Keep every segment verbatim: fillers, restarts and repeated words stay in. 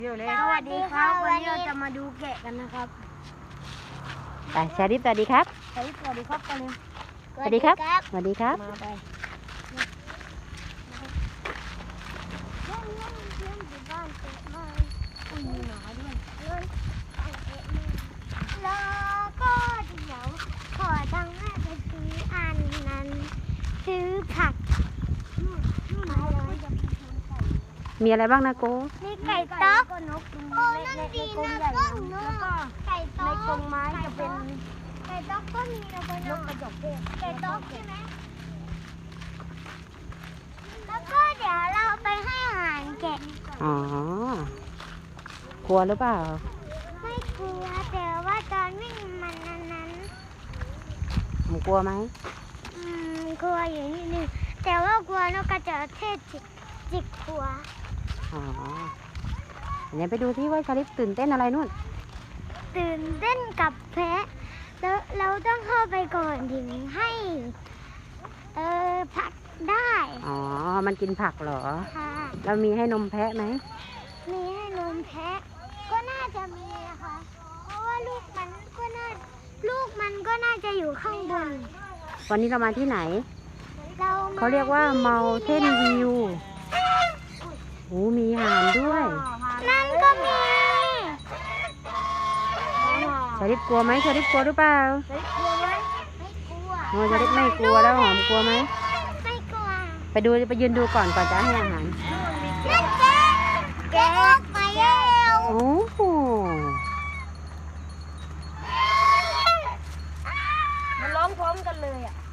สวัสดีครับวันนี้เราจะมาดูแกะกันนะครับไปชาลิฟสวัสดีครับสวัสดีสวัสดีครับไปเลยสวัสดีครับสวัสดีครับมาไปแล้วก็เดี๋ยวขอตังค์แม่ไปซื้ออันนั้นซื้อผักมีอะไรบ้างนะโกมีไก่ต๊อกโอ้นั่นดีนะต้นเนื้อไก่ต๊อกในกรงไม้จะเป็นไก่ต๊อกก็มีนะพ่อน้องไก่ต๊อกใช่ไหมแล้วก็เดี๋ยวเราไปให้อาหารแกะอ๋อกลัวหรือเปล่าไม่กลัวแต่ว่าตอนวิ่งมันนั้นผมกลัวไหมอืมกลัวอยู่นิดนึงแต่ว่ากลัวนกกระจอกเทศจิกจิกกลัวอ๋อเดี๋ยวไปดูที่ว่าชาลิฟตื่นเต้นอะไรนู่นตื่นเต้นกับแพะแล้วเราต้องเข้าไปก่อนถึงให้เออผักได้อ๋อมันกินผักเหรอค่ะเรามีให้นมแพะไหมมีให้นมแพะก็น่าจะมีนะคะเพราะว่าลูกมันก็น่าลูกมันก็น่าจะอยู่ข้างบนวันนี้เรามาที่ไหนเราเขาเรียกว่า Mountain View โอ้มีห่านด้วยนั่นก็มีชาลิฟกลัวไหมชาลิฟกลัวหรือเปล่าไม่กลัวไหมไม่กลัวโอ้ชาลิฟไม่กลัวแล้วหอมกลัวไหมไม่กลัวไปดูไปยืนดูก่อนก่อนจะให้อาหารนั่นแกแกะออกมาแล้วโอ้โหมันร้องพร้อมกันเลยอ่ะ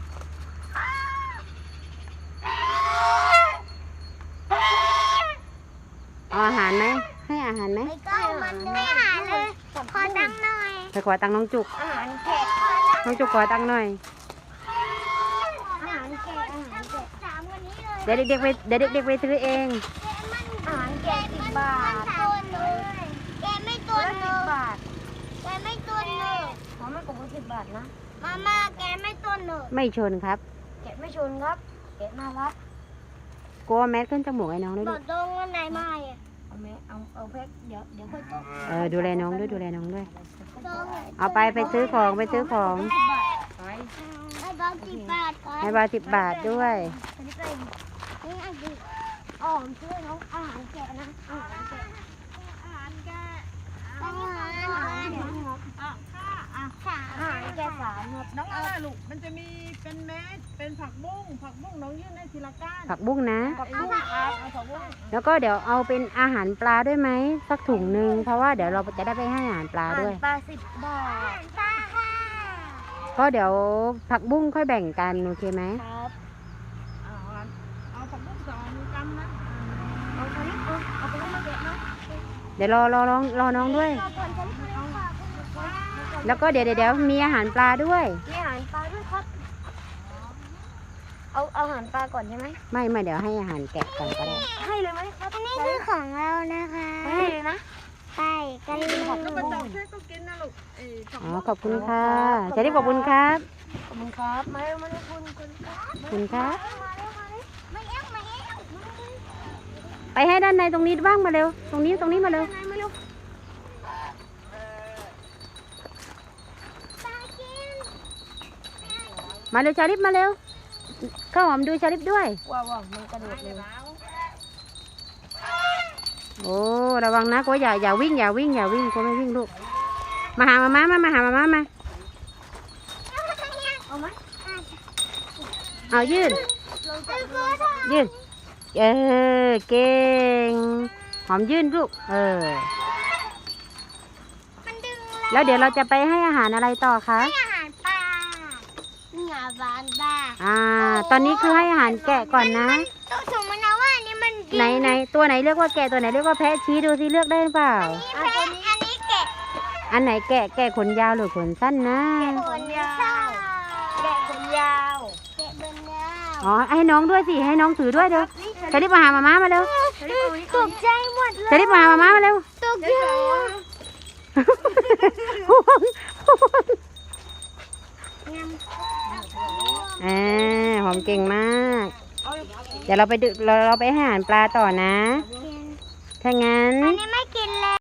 เอาอาหารไหมให้อาหารไหมไม่ก็มันไม่หาเลยขอตังค์หน่อยไปขอตังค์น้องจุกอาหารแกะน้องจุกขอตังค์หน่อยอาหารแกะอาหารแกะสามวันนี้เลยเดี๋ยวเด็กๆไปเดี๋ยวเด็กๆไปซื้อเองอาหารแกะสิบบาทต้นเลยแกะไม่ต้นเลยแกะไม่ต้นเลยหอมไม่กบสิบบาทนะมาม่าแกะไม่ต้นเลยไม่ชนครับแกะไม่ชนครับแกะน่ารักกลัวแมสขึ้นจมูกไอ้น้องด้วยบลูอกตรงวันไหนมาอ่ะเอาแม่เอาเอาแพ็คเดี๋ยวเดี๋ยวค่อยต้มเออดูแลน้องด้วยดูแลน้องด้วยเอาไปไปซื้อของไปซื้อของให้บาทสิบบาทก่อนให้บาทสิบบาทด้วยนี่อันนี้อ๋อช่วยน้องอาหารแกะนะอาหารแกะอาหารแกะอาหารอาหารอ่ะค่ะอ่ะอาหารแกะสามครับน้องอะไรลูกมันจะมีเป็นแมสเป็นผักบุ้งผักบุ้งน้องยื่นให้ทีละก้านผักบุ้งนะผักบุ้งครับเอาผักบุ้งแล้วก็เดี๋ยวเอาเป็นอาหารปลาด้วยไหมสักถุงหนึ่งเพราะว่าเดี๋ยวเราจะได้ไปให้อาหารปลาด้วยปลาสิบบาทปลาค่ะก็เดี๋ยวผักบุ้งค่อยแบ่งกันโอเคไหมครับเอาเอาผักบุ้งสองกำนะเอาไปเอาเอาไปให้มาแกะนะเดี๋ยวรอรอน้องรอน้องด้วยแล้วก็เดี๋ยวเดี๋ยวมีอาหารปลาด้วยมีอาหารปลาด้วยครับเอาเอาอาหารปลาก่อนใช่ไหมไม่ไม่เดี๋ยวให้อาหารแกะก่อนก็ได้ให้เลยไหมครับอันนี้คือของเรานะคะให้เลยนะไปกันเลยแล้วกระจอกเทศก็กินนะลูกอ๋อขอบคุณค่ะจะได้ขอบคุณครับขอบคุณครับมาเร็วมาเร็วคุณคุณขอบคุณครับไม่เอ้าไม่เอ้าไปให้ด้านในตรงนี้บ้างมาเร็วตรงนี้ตรงนี้มาเร็วมาเร็วชาลิฟมาเร็วข้าวหอมดูชาลิฟด้วยว้าวว้าวมันกระโดดเลยโอ้ระวังนะก็อย่าอย่าวิ่งอย่าวิ่งอย่าวิ่งก็ไม่วิ่งลูกมาหามาม่ามามาหามาม่ามาเอาไหมเอายื่นยื่นเออเก่งหอมยื่นลูกเออแล้วเดี๋ยวเราจะไปให้อาหารอะไรต่อคะให้อาหารปลาหงาบานบ้าอ่าตอนนี้คือให้อาหารแกะก่อนนะต้องสมมตินะว่าอันนี้มันไหนไหนตัวไหนเรียกว่าแกะตัวไหนเรียกว่าแพะชี้ดูสิเลือกได้เปล่าอันนี้แพะอันนี้แกะอันไหนแกะแกะขนยาวหรือขนสั้นนะขนยาวแกะขนยาวแกะขนยาวอ๋อให้น้องด้วยสิให้น้องถือด้วยเดี๋ยวจะได้มาหามาม่ามาเร็วตกใจหมดเลยจะได้มาหามาม่ามาเร็วตกใจเออหอมเก่งมากเดี๋ยวเราไปดูเราเราไปหาอาหารปลาต่อนะถ้างั้นอันนี้ไม่